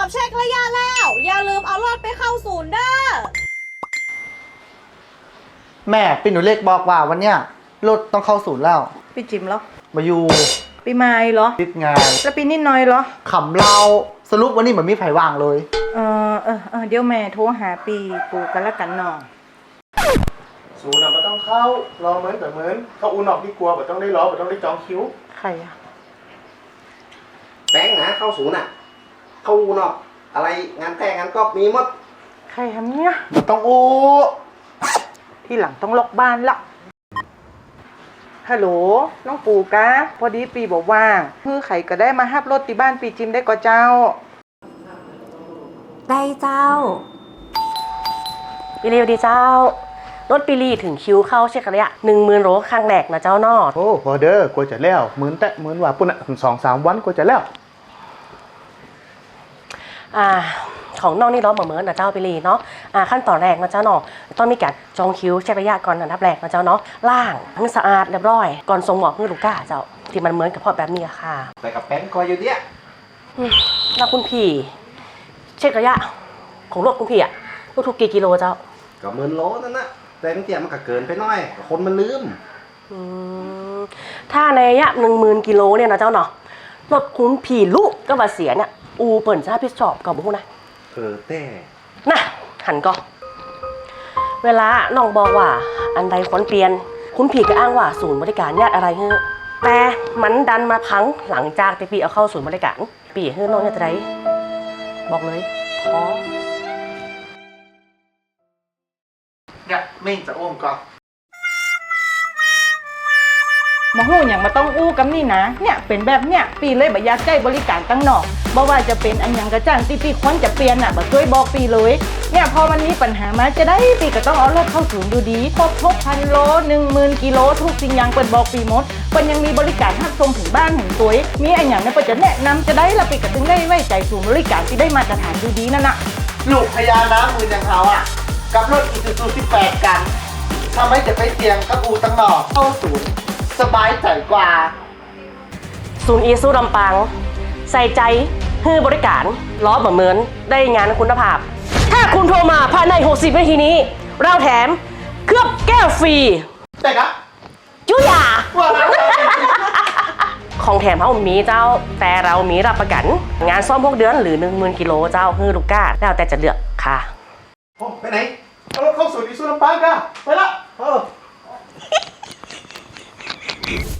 เช็คระยะแล้วอย่าลืมเอารถไปเข้าศูนย์เด้อแม่ปีหนูเล็กบอกว่าวันเนี้ยรถต้องเข้าศูนย์แล้วปีจิมเหรอมาอยู่ปีใหม่เหรอติดงานแล้วปีนิดหน่อยเหรอขำเราสรุปวันนี้เหมือนมีไผ่ว่างเลยเดี๋ยวแม่โทรหาปีปูกันละกันหน่อศูนย์มันต้องเข้ารอเหมือนแบบเหมือนเข้าอูนอกที่กลัวแบบต้องได้รอแบบต้องได้จองคิวใครอะแบงค์นะเข้าศูนย์อ่ะ เข้าอูนอกอะไรงานแต่งงานก็มีหมดใครทำเนี่ยมันต้องอู้ที่หลังต้องล็อกบ้านละฮัลโหลน้องปูกะพอดีปีบอกว่างคือไข่ก็ได้มาฮับรถที่บ้านปีจิมได้ก็เจ้าได้เจ้าปีรีดีเจ้ารถปีรีถึงคิวเข้าเช็คระยะ10,000 โลครั้งแรกนะเจ้านอดโอ้พอเด้อกลัวจะแล้วเหมือนแต่เหมือนว่าปุ่นอ่ะถึง2-3 วันกลัวจะแล้วของน้องนี่ล้อเหมือนนะเจ้าปีรีเนาะขั้นตอนแรกนะเจ้าเนาะต้องมีการจองคิวเช็คระยะก่อนอันดับแรกนะเจ้าเนาะล่างให้สะอาดเรียบร้อยก่อนส่งหมอกให้ลูกค้าเจ้าที่มันเหมือนกับพอแบบนี้ค่ะแต่กับแบงค์คอยอยู่เนี่ยแล้วคุณพี่เช็คระยะของรถคุณพี่อะทุกกี่กิโลเจ้าก็10,000 โลนั่นนะแต่บางทีมันก็เกินไปหน่อยคนมันลืมถ้าในระยะ10,000 กิโลเนี่ยนะเจ้าเนาะรถคุณพี่ลูกก็ว่าเสียเนี่ยอูเปิ่นจะรับผิดชอบกับบุ้งนะแต่นะหันก็เวลาน้องบอกว่าอันใดควรเปลี่ยนคุณผีก็อ้างว่าศูนย์บริการญาติอะไรเฮ้แต่มันดันมาพังหลังจากที่ปีเอาเข้าศูนย์บริการปีเฮ้น้องจะได้บอกเลยท้อเนี่ยไม่จะอ้วมก่อนมาหู้อย่างมาต้องอู้กับนี่นะเนี่ยเป็นแบบเนี่ยปีเลยบ่อยากใช้บริการตั้งนอกบ่ว่าจะเป็นอันยังกระจ้างที่ปีควรจะเปลี่ยนบ่ช่วยบอกปีเลยเนี่ยพอมันมีปัญหามาจะได้ปีก็ต้องเอารถเข้าศูนย์ดูดีครบ6,000 โล 10,000 กิโลทุกสิ่งอย่างเปิดบอกปีหมดเปิดยังมีบริการทักส่งถึงบ้านถึงตัวมีอันอย่างเนี่ยเปิดจะแนะนำจะได้ละปีก็ถึงได้ไว้ใจศูนย์บริการที่ได้มาตรฐานดูดีนั่นน่ะลูกพญาน้ำมืออย่างเขาอ่ะกับรถอีซูซู18กันทำให้จะไปเสี่ยงกับอูตั้งหนอกเข้าศูนย์สบายใจกว่าศูนย์อีซูลำปางใส่ใจให้บริการล้อเหมือนได้งานคุณภาพ ถ้าคุณโทรมาภายใน60 นาทีนี้ เราแถมเคลือบแก้วฟรีแต่ก็จุยา ของแถมเขามีเจ้าแต่เรามีรับประกันงานซ่อมพวกเดือนหรือ10,000 กิโลเจ้าฮือลูกก้าแล้วแต่จะเลือกค่ะโอ้ไปไหนเอารถเข้าศูนย์อีซูลำปางกันไปละ